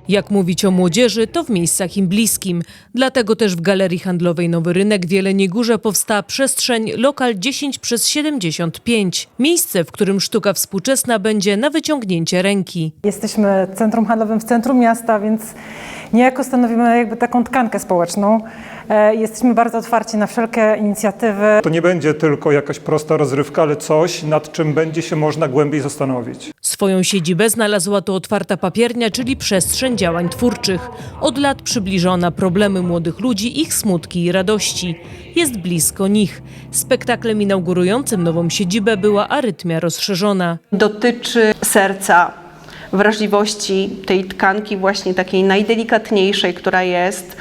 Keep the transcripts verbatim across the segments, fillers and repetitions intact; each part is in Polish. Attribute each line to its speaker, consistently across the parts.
Speaker 1: Jak mówić o młodzieży, to w miejscach im bliskim. Dlatego też w Galerii Handlowej Nowy Rynek w Jeleniej Górze powstała przestrzeń Lokal dziesięć przez siedemdziesiąt pięć. Miejsce, w którym sztuka współczesna będzie na wyciągnięcie ręki.
Speaker 2: Jesteśmy centrum handlowym w centrum miasta, więc niejako stanowimy jakby taką tkankę społeczną. E, Jesteśmy bardzo otwarci na wszelkie inicjatywy.
Speaker 3: To nie będzie tylko jakaś prosta rozrywka, ale coś, nad czym będzie się można głębiej zastanowić.
Speaker 1: Swoją siedzibę znalazła tu Otwarta Papiernia, czyli przestrzeń działań twórczych. Od lat przybliżona problemy młodych ludzi, ich smutki i radości. Jest blisko nich. Spektaklem inaugurującym nową siedzibę była Arytmia rozszerzona.
Speaker 4: Dotyczy serca, wrażliwości tej tkanki właśnie takiej najdelikatniejszej, która jest,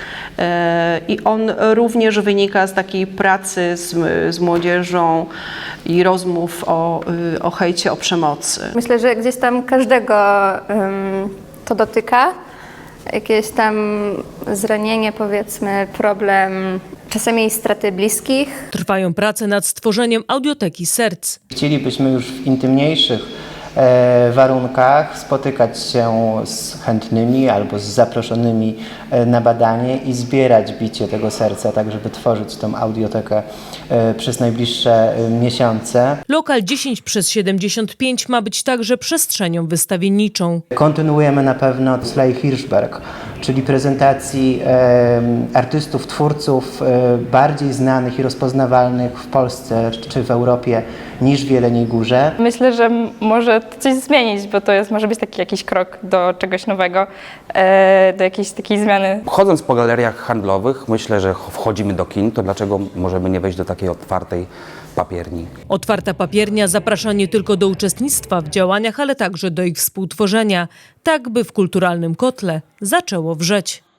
Speaker 4: i on również wynika z takiej pracy z, z młodzieżą i rozmów o, o hejcie, o przemocy.
Speaker 5: Myślę, że gdzieś tam każdego um, to dotyka. Jakieś tam zranienie, powiedzmy, problem czasami straty bliskich.
Speaker 1: Trwają prace nad stworzeniem audioteki serc.
Speaker 6: Chcielibyśmy już w intymniejszych e, warunkach spotykać się z chętnymi albo z zaproszonymi e, na badanie i zbierać bicie tego serca, tak żeby tworzyć tą audiotekę e, przez najbliższe e, miesiące.
Speaker 1: Lokal dziesięć przez siedemdziesiąt pięć ma być także przestrzenią wystawienniczą.
Speaker 6: Kontynuujemy na pewno Slay Hirschberg, czyli prezentacji e, artystów, twórców e, bardziej znanych i rozpoznawalnych w Polsce czy w Europie niż w Jeleniej Górze.
Speaker 7: Myślę, że może to coś zmienić, bo to jest, może być taki jakiś krok do czegoś nowego, e, do jakiejś takiej zmiany.
Speaker 8: Chodząc po galeriach handlowych, myślę, że wchodzimy do kin, to dlaczego możemy nie wejść do takiej otwartej papierni?
Speaker 1: Otwarta Papiernia zaprasza nie tylko do uczestnictwa w działaniach, ale także do ich współtworzenia, tak by w kulturalnym kotle zaczęło wrzeć.